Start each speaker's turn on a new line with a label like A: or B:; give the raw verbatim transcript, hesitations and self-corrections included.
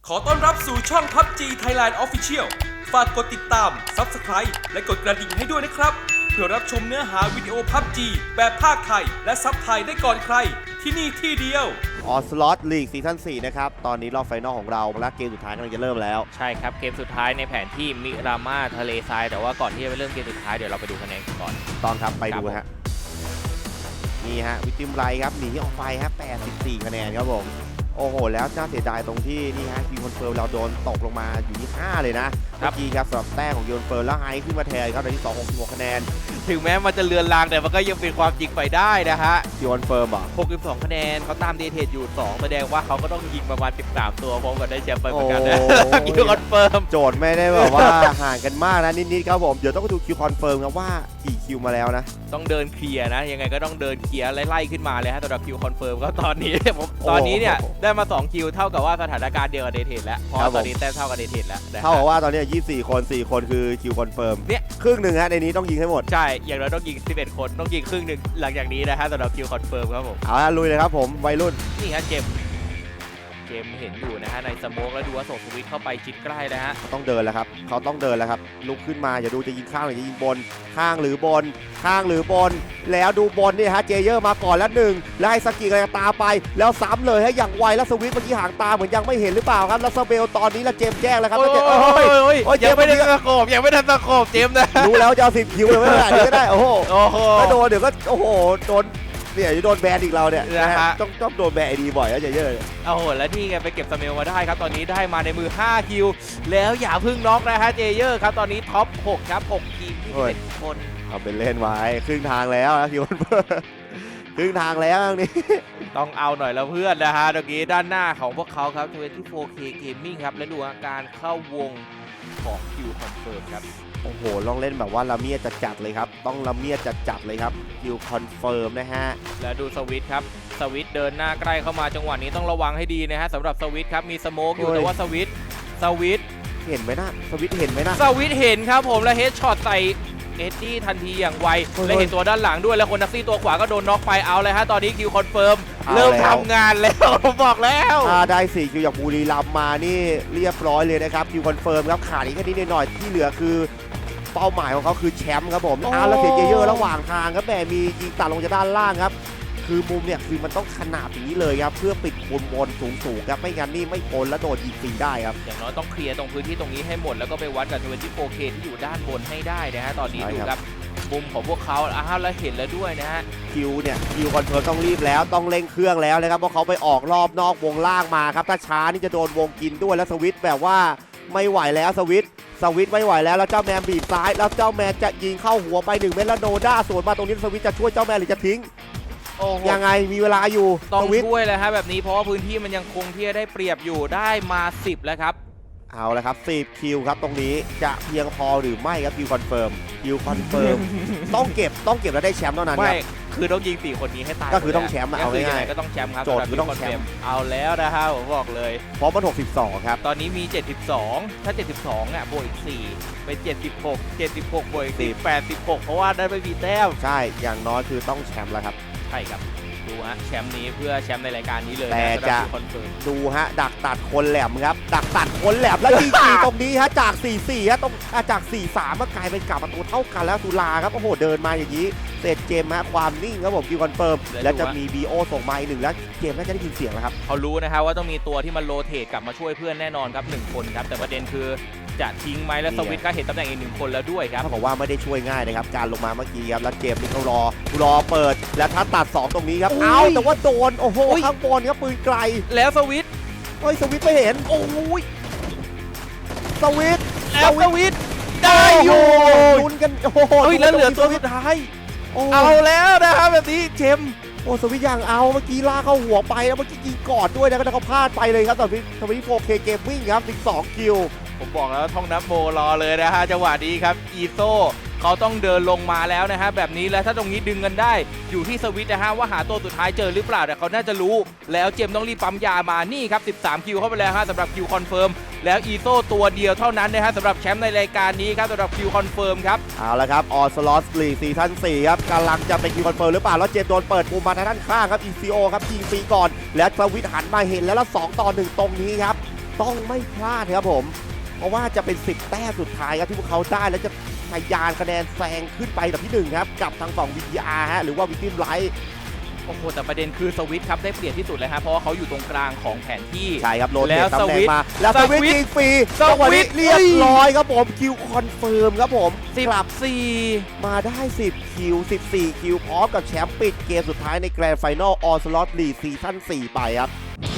A: ขอต้อนรับสู่ช่อง พับจี Thailand Official ฝากกดติดตาม ซับสไครบ์ และกดกระดิ่งให้ด้วยนะครับ เพื่อรับชมเนื้อหาวิดีโอ พับจี แบบภาคไทย และซับไทยได้ก่อนใคร ที่นี่ที่เดียว
B: ออสลอตลีกซีซั่นสี่นะครับตอนนี้รอบไฟนอลของเราและเกมสุดท้ายกำลังจะเริ่มแล้ว
C: ใช่ครับเกมสุดท้ายในแผนที่มิรามาทะเลทรายแต่ว่าก่อนที่จะไปเริ่มเกมสุดท้ายเดี๋ยวเราไปดูคะแนนกันก่อน
B: ตอนครับไปดูฮะนี่ฮะวิติมไรครับหนีออกไปครับแปดสิบสี่คะแนนครับผมโอ้โหแล้วน่าเสียดายตรงที่นี่ฮะคิวคอนเฟิร์มเราโดนตกลงมาอยู่ที่ห้าเลยนะเมื่อกี้ครับสำหรับแต้มของยูนเฟิร์มแล้วไฮขึ้นมาแทนครับในที่สอง หกสิบหกคะแนน
C: ถึงแม้มันจะเลือนลางแต่มันก็ยังเป็นความจริงไปได้นะฮะ
B: คิวคอนเฟิร์มอ่ะ
C: หกสิบสองคะแนนเขาตามเดเทดอยู่สองแสดงว่าเขาก็ต้องยิงประมาณสิบสามตัวพร้อมกันได้แชมป์ไปเหมือนกันนะคิวคอนเฟิร์ม
B: โจทย์ไม่ได้แบบว่าห่างกันมากนะนิดๆครับผมเดี๋ยวต้องดูคิวคอนเฟิร์มครับว่ากี่คิวมาแล้วนะ
C: ต้องเดินเคลียร์นะยังไงก็ต้องเดินเคลียร์ไล่ๆขึ้นมาเลยฮะสำหรับคิวคอนเฟิร์มก็ตอนนี้ผมตอนนี้เนี่ยได้มาสองคิวเท่ากับว่าสถานการณ์เดียวกับเดเทดแล้วเพราะตอนนี้แต้มเท่ากับเดเทดแล้ว
B: เท่ากับว่าตอนนี้ยี่สิบสี่คนสี่คนคือคิวคอนเฟิร์ม
C: เนี่ย
B: ครึ่งหนึ่งฮะในนี้ต้องยิงให้หมด
C: ใช่อย่างน้อยต้องยิงสิบเอ็ดคนต้องยิงครึ่งหนึ่งหลังจากนี้นะฮะสำหรับคิวคอนเฟิร์มครับผม
B: เอาละลุยเลยครับผมวัยรุ่น
C: นี่ฮะเจมเจมเห็นอยู่นะฮะในสโมกแล้วดูว่าส่งสวิตเข้าไปชิดใกล้นะฮะ
B: เขาต้องเดินแล้วครับเขาต้องเดินแล้วครับลุกขึ้นมาอย่าดูจะยิงข้างหรือจะยิงบนข้างหรือบนข้างหรือบนแล้วดูบนนี่ฮะเจเยอร์มาก่อนแล้วหนึ่งแล้วไอ้สกิก็จะตามไปแล้วซ้ำเลยให้อย่างไวแล้วสวิตเมื่อกี้ห่างตาเหมือนยังไม่เห็นหรือเปล่าครับแล้วสเบลตอนนี้ละเจมแจ้งแล้วครับ
C: โอ้ยโอ้ยยังไม่ได้ตะโขบยังไม่ทันตะโขบเจมนะ
B: รู้แล้วจะเอาสิบคิวเลยไม่ได้ก็ได้โอ้โหก็โดนเดี๋ยวก็โอ้โหโดนเนี่ยจะโดนแบนอีกเราเนี่ยนะฮะต้องต้องโดนแบนไอดีบ่อยแล้วเยอะ
C: ๆโอ้โหแล้วนี่ไงไปเก็บสเมลมาได้ครับตอนนี้ได้มาในมือห้าคิวแล้วอย่าพึ่งน็อกนะฮะเจเยอร์ครับตอนนี้ท็อปหกครับหกทีมที่เป็นคน
B: เอาเป็นเล่นไว้ครึ่งทางแล้วนะคิวครึ่งทางแล้วนี่
C: ต้องเอาหน่อยแล้วเพื่อนนะฮะเมื่อกี้ด้านหน้าของพวกเขาครับยี่สิบโฟร์เค Gaming ครับและดูอาการเข้าวงของคิวคอนเฟิร์มครับ
B: โอ้โหลองเล่นแบบว่าละเมียดจัดๆเลยครับต้องละเมียดจัดๆเลยครับคิวคอนเฟิร์มนะฮะ
C: แล้วดูสวิตครับสวิตเดินหน้าใกล้เข้ามาจังหวะนี้ต้องระวังให้ดีนะฮะสำหรับสวิตครับมีสโมกอยู่แต่ว่าสวิตสวิต
B: เห็นไหมนะสวิตเห็นไหมนะ
C: สวิตเห็นครับผมและเฮดช็อตใส่เอ็ดดี้ทันทีอย่างไวและเห็นตัวด้านหลังด้วยแล้วคนนักซี่ตัวขวาก็โดนน็อกไปเอาเลยฮะตอนนี้คิวคอนเฟิร์มเริ่มทำงานแล้วผมบอกแล้ว
B: ถ้าได้สี่คิวจากบุรีรัมย์มานี่เรียบร้อยเลยนะครับคิวคอนเฟิร์มครับขาดอีกแค่นิดหน่อยที่เหลือคือเป้าหมายของเขาคือแชมป์ครับผมอ้าวแล้วเสียเยอะๆระหว่างทางครับแหมมียิงตัดลงจากด้านล่างครับคือมุมเนี่ยคือมันต้องขนาดอย่างนี้เลยครับเพื่อปิดบนบนสูงๆครับไม่งั้นนี่ไม่พ้นแล้วโดนยิงฟรีได้ครับ
C: อย่างน้อยต้องเคลียร์ตรงพื้นที่ตรงนี้ให้หมดแล้วก็ไปวัดกับยี่สิบโฟร์เคที่อยู่ด้านบนให้ได้นะฮะตอนนี้ดูครับมุมของพวกเขาอ้าวแล้วเห็นแล้วด้วยนะฮะ
B: คิวเนี่ยคิวคอนเฟิร์มต้องรีบแล้วต้องเร่งเครื่องแล้วนะครับเพราะเขาไปออกรอบนอกวงล่างมาครับถ้าช้านี่จะโดนวงกินด้วยแล้วสวิตแบบว่าไม่ไหวแล้วสวิตสวิตไม่ไหวแล้วแล้วเจ้าแมนบีบซ้ายแล้วเจ้าแมนจะยิงเข้าหัวไปหนึ่งเมตรแล้วโนด้าสวนมาตรงนี้สวิตจะช่วยเจ้าแมนหรือจะทิ้งยังไงมีเวลาอยู่
C: ต้องช่วยเลยฮะแบบนี้เพราะว่าพื้นที่มันยังคงที่จะได้เปรียบอยู่ได้มาสิบแล้วครับ
B: เอาละครับสิบคิวครับตรงนี้จะเพียงพอหรือไม่ครับคิวคอนเฟิร์มคิวคอนเฟิร์มต้องเก็บต้องเก็บแล้วได้แชมป์เท่านั้นครับ
C: ไม่คือต้องยิงสี่คนนี้ให้ตาย
B: ก็คือต้องแชมป์เอาง่าย
C: ๆก็ต้องแชมป์ครับ
B: โจทย์คือต้องแชมป์
C: เอาแล้วนะฮะผมบอกเลย
B: เพราะมันหกสิบสองครับ
C: ตอนนี้มีเจ็ดสิบสองถ้าเจ็ดสิบสองอ่ะบวกอีกสี่เป็นเจ็ดสิบหก เจ็ดสิบหกบวกอีกสี่ แปดสิบหกเพราะว่าได้ไปมีแต้ม
B: ใช่อย่างน้อยคือต้องแชมป์แล้วครับ
C: ใช่ครับดูฮะแชมป์นี้เพื่อแชมป์ในรายการนี้เลย
B: แต่จะดูฮะดักตัดคนแหลมครับดักตัดคนแหลมแล้วยิงสี่ตรงนี้ฮะจากสี่สี่ฮะตรงจากสี่สามก็กลายเป็นกลับมาตัวเท่ากันแล้วสุราครับโอ้โหเดินมาอย่างนี้เสร็จเจมฮะความนิ่งครับผมคิวคอนเฟิร์มแล้วจะมีบีโอส่งมาอีกหนึ่งแล้วเจมน่าจะได้ยินเสียงแล้วครับ
C: เขารู้นะครับว่าต้องมีตัวที่มันโรเตทกลับมาช่วยเพื่อนแน่นอนครับหนึ่งคนครับแต่ประเด็นคือจะทิ้งไหมและสวิตก็เห็นตำแหน่งอีกหนึ่งคนแล้วด้วยครับ
B: เขาบอกว่าไม่ได้ช่วยง่ายนะครับการลงมาเมื่อกี้ครับแล้วเกมนี้เขารอรอเปิดแล้วถ้าตัดสองตรงนี้ครับเอาแต่ว่าโดนโอ้โหข้างบนครับปืนไกล
C: แล้วสวิต
B: เฮ้ยสวิตไม่เห็น
C: โอ้ย
B: สวิต
C: แล้วสวิตได้อยู่
B: ลุ้นกันโอ้โห
C: แล้วเหลือตัวสุดท้ายเอาแล้วนะครับแบบนี้เจม
B: โอ้สวิตยังเอาเมื่อกี้ล่าเข้าหัวไปแล้วเมื่อกี้ยิงกอดด้วยนะก็เขาพลาดไปเลยครับตอนนี้สวิต โฟร์เค Gaming ครับสิบสองคิว
C: ผมบอกแล้วท่องนับโมรอเลยนะฮะจังหวะนี้ครับอีโซเขาต้องเดินลงมาแล้วนะฮะแบบนี้แล้วถ้าตรงนี้ดึงกันได้อยู่ที่สวิตนะฮะว่าหาตัวสุดท้ายเจอหรือเปล่าแต่เขาน่าจะรู้แล้วเจมต้องรีบปั๊มยามานี่ครับสิบสามคิวเข้าไปแล้วฮะสำหรับคิวคอนเฟิร์มแล้วอีโซตัวเดียวเท่านั้นนะฮะสำหรับแชมป์ในรายการนี้ครับสำหรับคิวคอนเฟิร์มครับ
B: เอาละครับออสลอตลีกซีซั่นสี่ครับกำลังจะเป็นคิวคอนเฟิร์มหรือเปล่าแล้วเจมโดนเปิดมุมมาทางด้านข้างครับ อี ซี โอ ครับยิงฟรีก่อนแล้วสวิตหันมาเห็นแล้วแล้วสองต่อหนึ่งตรงนี้ครับต้องไม่พลาดครับผม เพราะว่าจะเป็นสิบแต้มสุดท้ายครับที่พวกเขาได้แล้วจะทะยานคะแนนแซงขึ้นไปแบบที่หนึ่งครับกับทางฝั่ง วี ที อาร์ ฮะหรือว่าวิกติมไลท์
C: โอ้โหแต่ประเด็นคือสวิตครับได้เปรียบที่สุดเลยฮะเพราะว่าเขาอยู่ตรงกลางของแผนที่
B: ใช่ครับโรเต
C: แล้ว
B: ตตำแหน่ง
C: สวิตช์
B: มาแล้วสวิตช์
C: สวิตช์
B: ยิงฟรี
C: สวิตช์
B: จังหวะนี้เรียบร้อยครับผมคิวคอนเฟิร์มครับผม
C: สิบ
B: กลับ
C: สี่
B: มาได้สิบคิวสิบสี่คิวพร้อมกับแชมป์ปิดเกมสุดท้ายในแกรนด์ไฟนอลออสลอตลีซีซั่นสี่ไปครับ